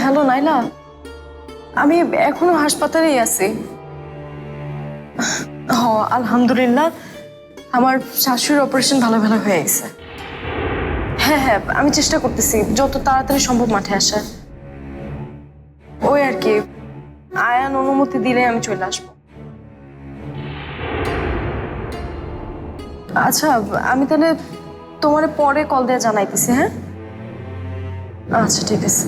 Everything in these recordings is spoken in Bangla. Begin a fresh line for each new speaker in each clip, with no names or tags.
হ্যালো নাইলা, আমি এখনো হাসপাতালেই আছি। হ, আলহামদুলিল্লাহ আমার শাশুড়ির অপারেশন ভালো ভালো হয়ে গেছে। হ্যাঁ হ্যাঁ, আমি চেষ্টা করতেছি যত তাড়াতাড়ি সম্ভব মাঠে আসার। ওই আর কি, আয়ান অনুমতি দিলে আমি চলে আসবো। আচ্ছা, আমি তাহলে তোমার পরে কল দিয়ে জানাইতেছি। হ্যাঁ, আচ্ছা ঠিক আছে।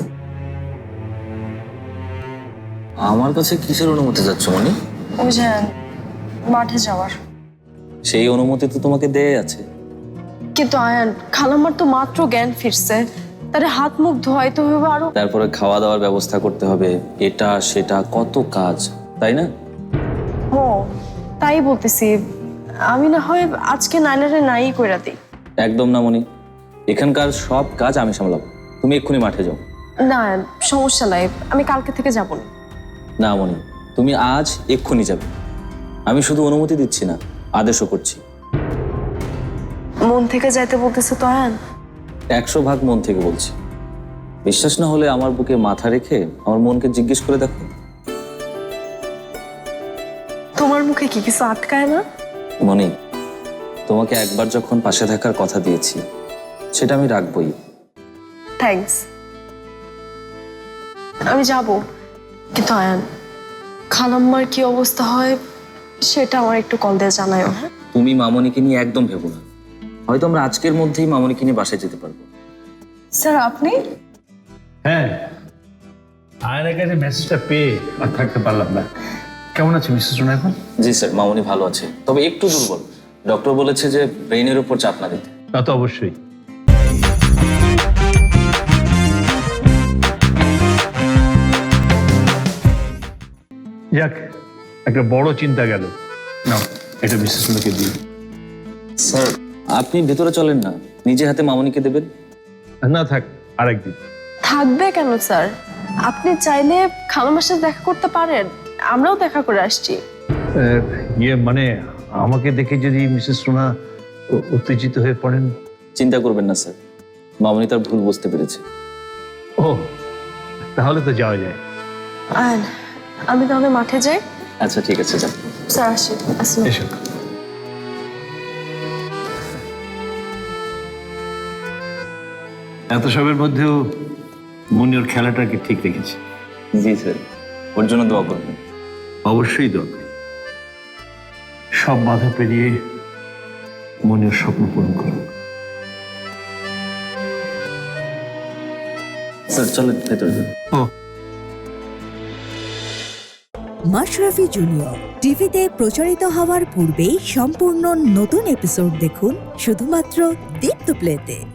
আমার কাছে কিসের অনুমতি যাচ্ছ মনি?
ওই যে মাঠে যাওয়ার।
সেই অনুমতি তো তোমাকে দেয়া আছে।
কিন্তু আয়ান, খালাম্মার তো মাত্র জ্ঞান ফিরছে, তারে হাত মুখ ধোয়াইতে হবে আরো।
তারপরে খাওয়া দাওয়ার ব্যবস্থা করতে হবে, এটা সেটা কত কাজ, তাই না?
ও, তাই বলতেছি, আমি না হয় আজকে নাইলারে নাই কইরা দিই।
একদম না মনি, এখানকার সব কাজ আমি সামলাবো, তুমি এক্ষুনি মাঠে যাও।
না, সমস্যা নাই, আমি কালকে থেকে যাবো না।
না মনি, তুমি আজ এক্ষুনি যাবে। আমি শুধু অনুমতি দিচ্ছি না, আদেশও করছি।
মন থেকে যাইতে বলতেছে তো আয়ান?
100% মন থেকে বলছি। বিশ্বাস না হলে আমার বুকে মাথা রেখে আমার মনকে জিজ্ঞেস করে দেখো।
তোমার মুখে কি কিছু আটকায় না?
মনি, তোমাকে একবার যখন পাশে থাকার কথা দিয়েছি সেটা আমি রাখবই।
থ্যাঙ্কস, আমি যাব। কিন্তু আয়ান, খালাম্মার কি অবস্থা হয় সেটা আমার একটু কল দিয়ে জানাও। হ্যাঁ,
তুমি মামনিকে নিয়ে একদম ভেবো না, হয়তো আমরা আজকের মধ্যেই মামনিকে নিয়ে বাসায় যেতে পারবো।
স্যার আপনি?
হ্যাঁ, আয়নের কাছে মেসেজটা পেয়ে আর থাকতে পারলাম না। কেমন আছে মিসেস রুনা এখন?
জি স্যার, মামনি ভালো আছে, তবে একটু দুর্বল। ডক্টর বলেছে যে ব্রেইনের উপর চাপ না দিতে।
তা তো অবশ্যই। যাক, একটা বড় চিন্তা গেল। না, এটা মিসেস রুনাকে দিই।
স্যার আপনি ভেতরে চলেন না, নিজে হাতে মামনিকে দেবেন।
না থাক, আরেকদিন।
থাকবে কেন স্যার? আপনি চাইলে খালাম্মার সাথে দেখা করতে পারেন, আমরাও দেখা করে আসছি।
মানে আমাকে দেখে যদি মিসেস রুনা উত্তেজিত হয়ে পড়েন?
চিন্তা করবেন না স্যার, মামনি তার ভুল বুঝতে পেরেছে।
ও, তাহলে তো যাওয়া যায়।
আয়ান, আমি তাহলে মাঠে যাই।
আচ্ছা ঠিক আছে, যান।
স্যার আসি। আসসালাম।
এসো। এত সবের মধ্যেও মনি ওর খেলাটাকে ঠিক রেখেছে।
জি স্যার, ওর জন্য দোয়া করবেন।
অবশ্যই দরকার। সব বাধা পেরিয়ে মনের স্বপ্ন পূরণ করুন।
স্যার চলেন ভেতরে যান।
ও,
মাশরাফি জুনিয়র টিভিতে প্রচারিত হওয়ার পূর্বেই সম্পূর্ণ নতুন এপিসোড দেখুন শুধুমাত্র দীপ্ত প্লেতে।